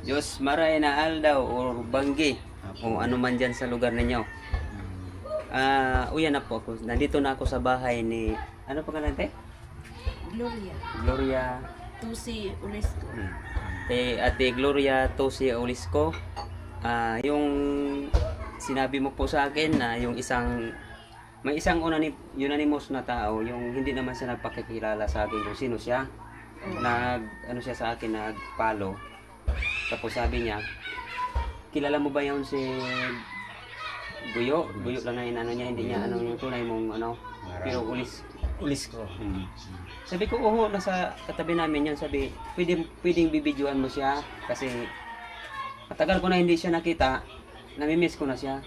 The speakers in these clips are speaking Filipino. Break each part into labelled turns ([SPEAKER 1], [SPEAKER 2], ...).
[SPEAKER 1] Diyos maray na aldaw o banggi o ano man dyan sa lugar ninyo. Uyan na po ako. Nandito na ako sa bahay ni, ano pangalan te?
[SPEAKER 2] Gloria.
[SPEAKER 1] Gloria.
[SPEAKER 2] Tusi Ulisco.
[SPEAKER 1] Ate Gloria Tosi Olisco. Yung sinabi mo po sa akin na yung may isang unanimous na tao, yung hindi naman siya nagpakikilala sa akin kung sino siya. Ano siya sa akin, nag-follow. Tapos sabi niya, kilala mo ba yun si Buyo? Buyo lang na inano niya, hindi niya ano yung tunay mong ano, pero ulis ko. Sabi ko, nasa katabi namin yan. Sabi, pwedeng bibidyoan mo siya kasi matagal ko na hindi siya nakita. Namimiss ko na siya.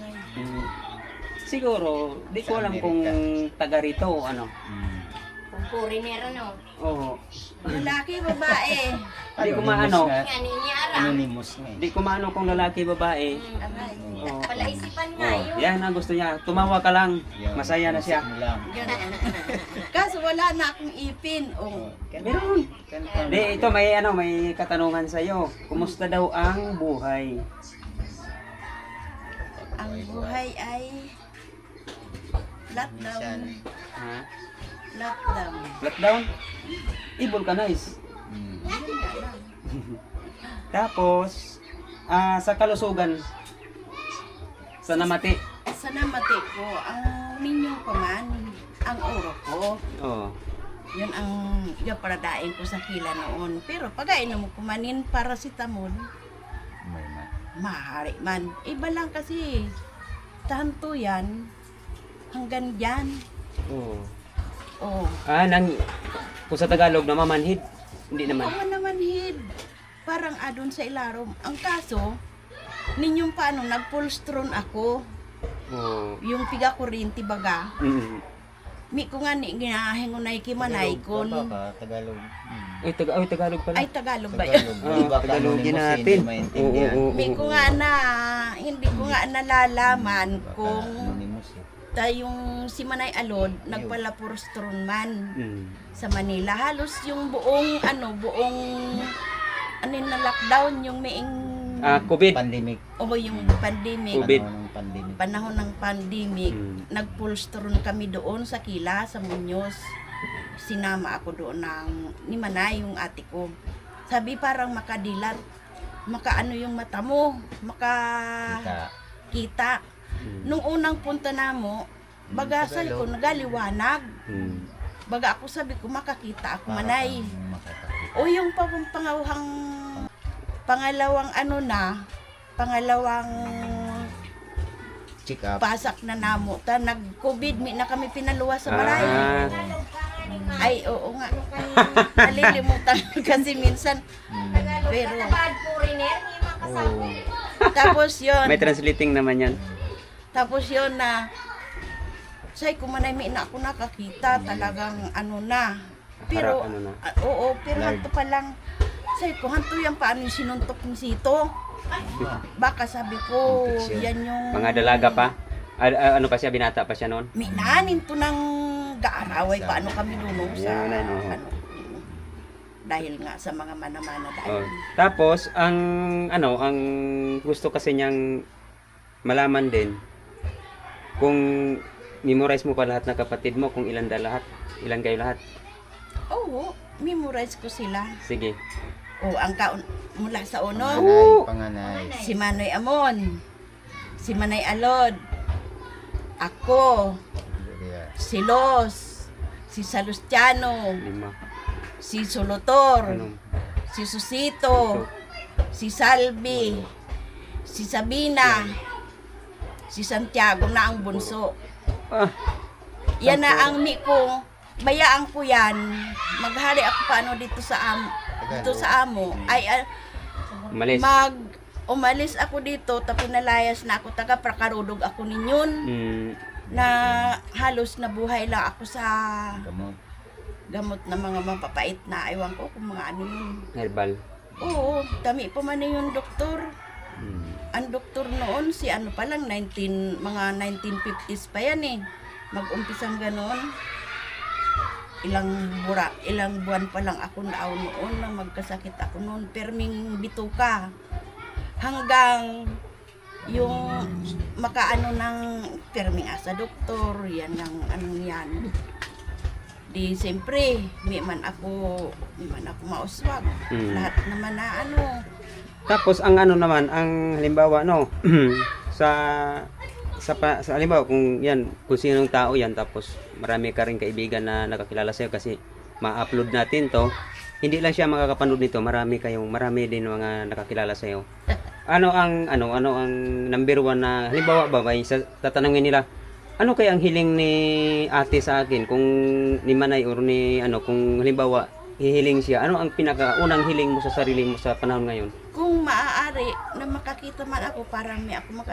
[SPEAKER 1] Siguro, di ko alam kung taga rito o ano.
[SPEAKER 3] Kung foreigner, no?
[SPEAKER 1] Oo.
[SPEAKER 2] Lalaki, babae.
[SPEAKER 1] Di ko maano.
[SPEAKER 3] Yan, iniara.
[SPEAKER 4] Anonymous nga eh.
[SPEAKER 1] Di ko maano kung lalaki, babae.
[SPEAKER 2] Aray.
[SPEAKER 1] Oo.
[SPEAKER 3] Palaisipan nga yun.
[SPEAKER 1] Yan ang gusto niya. Tumawa ka lang. Masaya na siya.
[SPEAKER 2] Ganon. Kaso wala na akong ipin.
[SPEAKER 1] Meron. Di, ito may katanungan sa iyo. Kumusta daw ang buhay?
[SPEAKER 2] Ang buhay ay lockdown.
[SPEAKER 1] Ha?
[SPEAKER 2] Lockdown.
[SPEAKER 1] Lockdown? I-vulcanize. Tapos, sa kalusugan, sa namati.
[SPEAKER 2] Sa namati ko, ang ninyong paman, ang oro ko.
[SPEAKER 1] Oo.
[SPEAKER 2] Yun ang yung paradain ko sa kila noon. Pero pag inom mo kumanin paracetamol,
[SPEAKER 4] May na.
[SPEAKER 2] mahari man. Iba lang kasi, tanto yan, hanggang dyan.
[SPEAKER 1] Oo.
[SPEAKER 2] Oh.
[SPEAKER 1] Kung sa Tagalog na mamanhid, hindi naman.
[SPEAKER 2] Oo naman, hid. Parang adon sa ilarom. Ang kaso, ninyong paano, nag-pulstron ako.
[SPEAKER 1] Oo.
[SPEAKER 2] Yung piga kurinti baga. Mi ko nga ni ginahingunay kimanay kon.
[SPEAKER 4] Tagalog.
[SPEAKER 1] Ay, Tagalog pala.
[SPEAKER 2] Ay, Tagalog ba yun?
[SPEAKER 1] Tagalogin natin. Oo.
[SPEAKER 2] Mi ko nga na, hindi ko nga nalalaman kung
[SPEAKER 4] Anonymous eh.
[SPEAKER 2] yung si Manay Alod nagpalapurstron man sa Manila. Halos yung buong na lockdown, yung maing
[SPEAKER 1] COVID.
[SPEAKER 4] Pandemic.
[SPEAKER 2] o yung pandemic.
[SPEAKER 1] COVID.
[SPEAKER 2] Panahon ng pandemic, nagpulstron kami doon sa Kila, sa Muñoz. Sinama ako doon ni Manay, yung ate ko. Sabi parang makadilat, makaano yung mata mo, makakita. Nung unang punta namo, baga sabi ko, nagaliwanag. Baga ako sabi ko, makakita ako, Manay. O yung pangalawang
[SPEAKER 4] Check up.
[SPEAKER 2] pasak na namo. Nag-COVID, na kami pinaluwas sa baray. Ay, oo nga. Nalilimutan kasi minsan. Pero,
[SPEAKER 3] Bad foreigner, may mga kasama.
[SPEAKER 2] tapos yun.
[SPEAKER 1] May translating naman yan.
[SPEAKER 2] Tapos yun na, say ko manay may na ako nakakita, talagang Pero,
[SPEAKER 1] Harap, ano na.
[SPEAKER 2] oo, pero hanto pa lang. Say ko, hanto yan paano yung sinuntok ni Sito. Baka sabi ko, yan yung...
[SPEAKER 1] Mga dalaga pa. Ano pa siya, binata pa siya noon?
[SPEAKER 2] Minanin to ng gaaraway, paano kami lunong sa...
[SPEAKER 1] Yan, oo.
[SPEAKER 2] Dahil nga sa mga manamana
[SPEAKER 1] Oh.
[SPEAKER 2] dahil.
[SPEAKER 1] Tapos, ang gusto kasi niyang malaman din, kung memorize mo pa lahat ng kapatid mo, kung ilan kayo lahat.
[SPEAKER 2] Oo, memorize ko sila.
[SPEAKER 1] Sige.
[SPEAKER 2] Ang mula sa uno,
[SPEAKER 4] Panganay.
[SPEAKER 2] si Manoy Amon, si Manay Alod, ako, si Los, si Salustiano,
[SPEAKER 1] 5.
[SPEAKER 2] si Solotor,
[SPEAKER 1] Ano?
[SPEAKER 2] si Susito, si Salvi, si Sabina, si Santiago na ang bunso. Yan na ang mi ko, bayaan ko yan. Maghari ako paano dito sa amo. Ay,
[SPEAKER 1] Umalis.
[SPEAKER 2] umalis ako dito, tapos nalayas na ako, taga Prakarudog ako ninyon. Na halos nabuhay lang ako sa gamot na mga mapapait na ewan ko kung mga ano yun.
[SPEAKER 1] Herbal.
[SPEAKER 2] Oo, dami pa man yung doktor. Ang doktor noon, si ano pa lang, mga 1950s pa yan eh. Mag-umpisang ganon. ilang buwan pa lang ako naaw noon na magkasakit ako noon, perming bituka. Hanggang yung makaano ng perming asa doktor, yan ang ano yan. Di siyempre, may man ako mauswag. Lahat naman na ano.
[SPEAKER 1] Tapos ang ano naman, ang halimbawa no, sa halimbawa kung yan, kung sinong tao yan, tapos marami ka rin kaibigan na nakakilala sa'yo kasi ma-upload natin to, hindi lang siya makakapanood nito, marami din mga nakakilala sa'yo. Ano ang number one na, halimbawa ba, may tatanungin nila, ano kaya ang hiling ni ate sa akin, kung ni Manay or ni kung halimbawa, hihiling siya, ano ang pinakaunang hiling mo sa sarili mo sa panahon ngayon?
[SPEAKER 2] Kung maaari na makakita man ako, parang may ako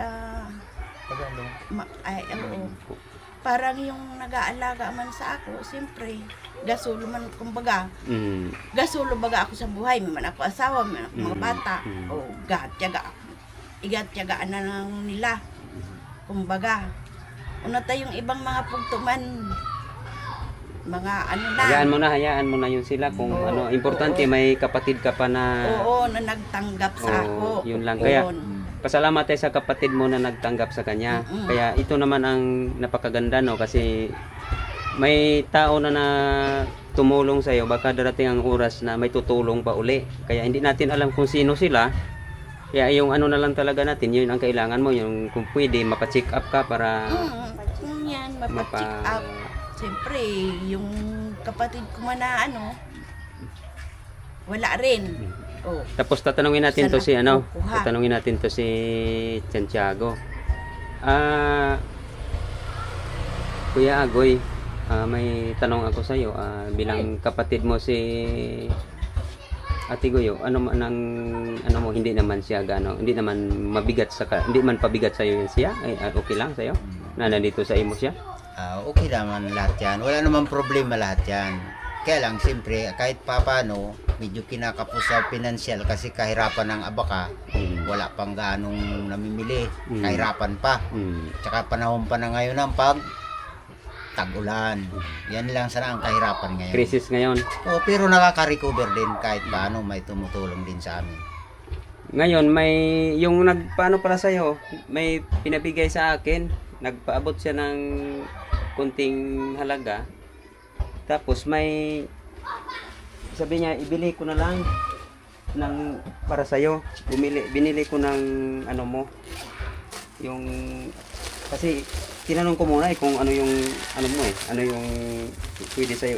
[SPEAKER 2] parang yung nag-aalaga man sa ako, siyempre, gasulo man, kumbaga, gasulo baga ako sa buhay, may man ako asawa, may man ako mga bata, o igatyagaan na lang nila, kumbaga, una tayong ibang mga pugtuman, mga ano na.
[SPEAKER 1] Hayaan mo na yun sila kung importante may kapatid ka pa na
[SPEAKER 2] na nagtanggap sa ako.
[SPEAKER 1] Yun lang. Kaya pasalamat tayo sa kapatid mo na nagtanggap sa kanya. Kaya ito naman ang napakaganda no kasi may tao na tumulong sa iyo, baka darating ang oras na may tutulong pa uli. Kaya hindi natin alam kung sino sila. Kaya yung na lang talaga natin, yun ang kailangan mo, yung kung pwede mapa-check up ka para
[SPEAKER 2] yan, mapa-check up. Siyempre, yung kapatid ko man na wala rin.
[SPEAKER 1] Tapos tatanungin natin to si tatanungin natin to si Santiago. Kuya Agoy, may tanong ako sa iyo, bilang kapatid mo si Ate Goyo, ano mo, hindi naman siya hindi naman hindi man pabigat sa iyo siya, okay lang sa iyo na nandito sa imo siya?
[SPEAKER 4] Okay naman lahat yan. Wala namang problema lahat yan. Kaya lang, siyempre, kahit paano, medyo kinakapos sa pinansyal kasi kahirapan ng abaka, wala pang ganong namimili. Kahirapan pa. Tsaka panahon pa na ngayon ng tag-ulan. Yan lang sana ang kahirapan ngayon.
[SPEAKER 1] Crisis ngayon.
[SPEAKER 4] Pero nakaka-recover din kahit paano, may tumutulong din sa amin.
[SPEAKER 1] Ngayon, may yung nagpaano para sa'yo, may pinabigay sa akin, nagpaabot siya ng kunting halaga. Tapos may sabi niya, ibili ko na lang para sa'yo. Binili ko ng mo. Yung kasi tinanong ko muna kung ano yung mo ano yung pwede sa'yo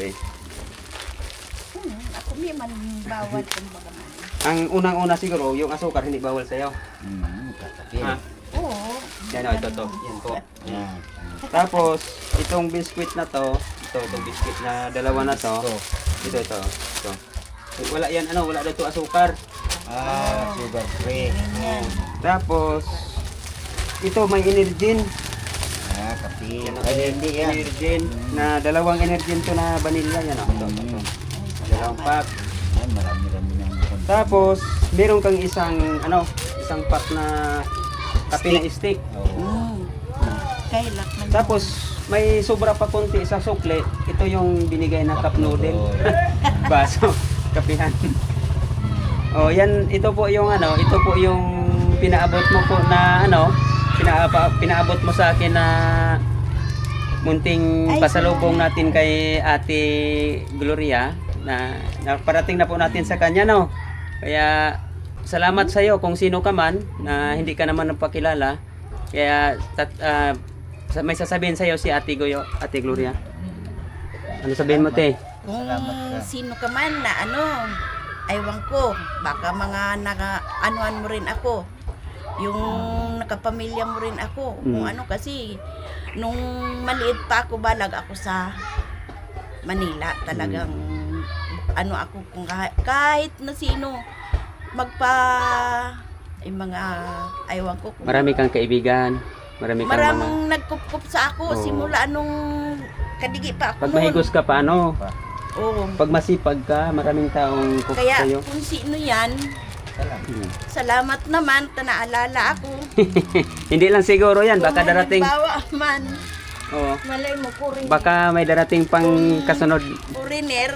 [SPEAKER 2] Ako may man bawal kung baga man.
[SPEAKER 1] Ang unang-una siguro, yung asukar hindi bawal sa'yo.
[SPEAKER 4] Katapil.
[SPEAKER 2] Oo.
[SPEAKER 1] Yan ito. Yan po.
[SPEAKER 4] Yan.
[SPEAKER 1] Tapos, itong biskuit na to, itong biskuit na dalawa na to, ito. Wala yan, wala dito asukar.
[SPEAKER 4] Sugar free.
[SPEAKER 1] Tapos, ito may Energin.
[SPEAKER 4] Kape.
[SPEAKER 1] Hindi yan. Energin, na dalawang Energin to na vanilla yan. Ito. Dalawang pack.
[SPEAKER 4] Yan, marami-rami ng
[SPEAKER 1] Tapos, meron kang isang pack na kape na stick.
[SPEAKER 2] Kailak man.
[SPEAKER 1] Tapos, may sobra pa konti sa sukle. Ito yung binigay na cup noodle. Baso, kapihan. Yan, ito po yung pinaabot mo po na pinaabot mo sa akin na munting pasalubong natin kay Ate Gloria na parating na po natin sa kanya Kaya salamat sa iyo kung sino ka man na hindi ka naman nagpakilala. Kaya may sasabihin sa iyo si Ate Gloria. Ano sabihin mo, te?
[SPEAKER 2] Kung sino ka man na aywan ko, baka mga naka-anuan mo rin ako. Yung nakapamilya mo rin ako. Kung kasi nung maliit pa ako, balag ako sa Manila. Talagang ako kung kahit na sino mga aywan ko.
[SPEAKER 1] Marami kang kaibigan.
[SPEAKER 2] Maraming nagkup-kup sa ako simula nung kadigi pa ako.
[SPEAKER 1] Pag mahigos ka pa
[SPEAKER 2] Oo.
[SPEAKER 1] Pag masipag ka, maraming taong kup
[SPEAKER 2] Kaya
[SPEAKER 1] sa'yo.
[SPEAKER 2] kung sino yan, salamat naman, naalala ako.
[SPEAKER 1] Hindi lang siguro yan, baka
[SPEAKER 2] Kung
[SPEAKER 1] darating.
[SPEAKER 2] halimbawa man,
[SPEAKER 1] Oo.
[SPEAKER 2] Malay mo, foreigner.
[SPEAKER 1] Baka may darating pang kasunod.
[SPEAKER 2] Foreigner.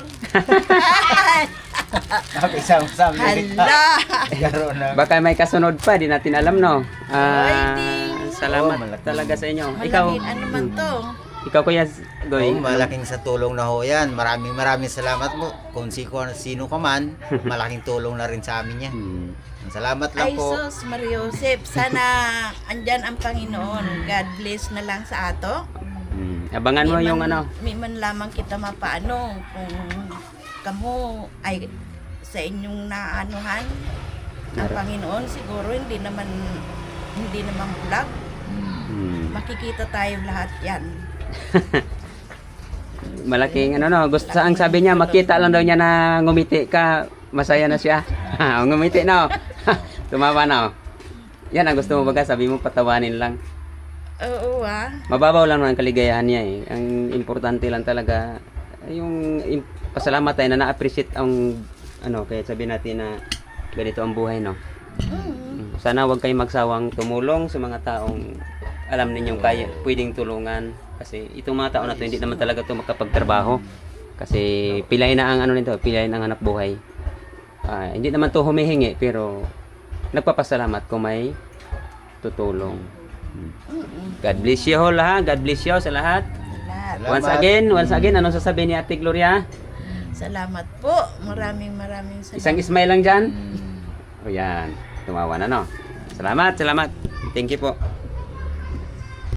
[SPEAKER 4] Nakisama-sama.
[SPEAKER 2] Hala.
[SPEAKER 4] Karoon na.
[SPEAKER 1] Baka may kasunod pa, di natin alam, no?
[SPEAKER 2] Ay, di.
[SPEAKER 1] Salamat
[SPEAKER 4] Oo, malaki.
[SPEAKER 1] talaga sa inyo. Ikaw,
[SPEAKER 2] Malaking ano man to.
[SPEAKER 1] ikaw Kuya Goy.
[SPEAKER 4] Oh, malaking sa tulong na ho yan. Maraming salamat po. Kung sino ka man, malaking tulong na rin sa amin yan.
[SPEAKER 1] Hmm.
[SPEAKER 4] Salamat lang
[SPEAKER 2] Ay,
[SPEAKER 4] po.
[SPEAKER 2] sus, Mariosep. Sana andyan ang Panginoon. God bless na lang sa ato.
[SPEAKER 1] Abangan mo yung ano.
[SPEAKER 2] May man lamang kita mapaano kung kamo ay sa inyong naanuhan ang Panginoon siguro hindi naman bulag. Makikita tayo lahat yan.
[SPEAKER 1] Malaking ano no, gusto ang sabi niya makita lang daw niya na ngumiti ka, masaya na siya. Ngumiti na. Tumawa na. Yan ang gusto mo baga, sabi mo patawanin lang.
[SPEAKER 2] Oo
[SPEAKER 1] Mababaw lang ang kaligayahan niya eh. Ang importante lang talaga yung pasalamat tayo na na-appreciate ang ano, kaya sabi natin na ganito ang buhay, no. Sana wag kayong magsawang tumulong sa mga taong alam ninyong kaya pwedeng tulungan kasi itong mga tao na to hindi naman talaga to makapagtrabaho kasi pilay na ang ano nito, pilay na ang hanap buhay. Hindi naman to humihingi pero nagpapasalamat kung may tutulong. God bless you all ha. God bless you sa lahat.
[SPEAKER 2] Salamat.
[SPEAKER 1] Once again, anong sasabihin ni Ate Gloria?
[SPEAKER 2] Salamat po. Maraming salamat.
[SPEAKER 1] Isang smile lang dyan. O yan, tumawa na no. Salamat. Thank you po.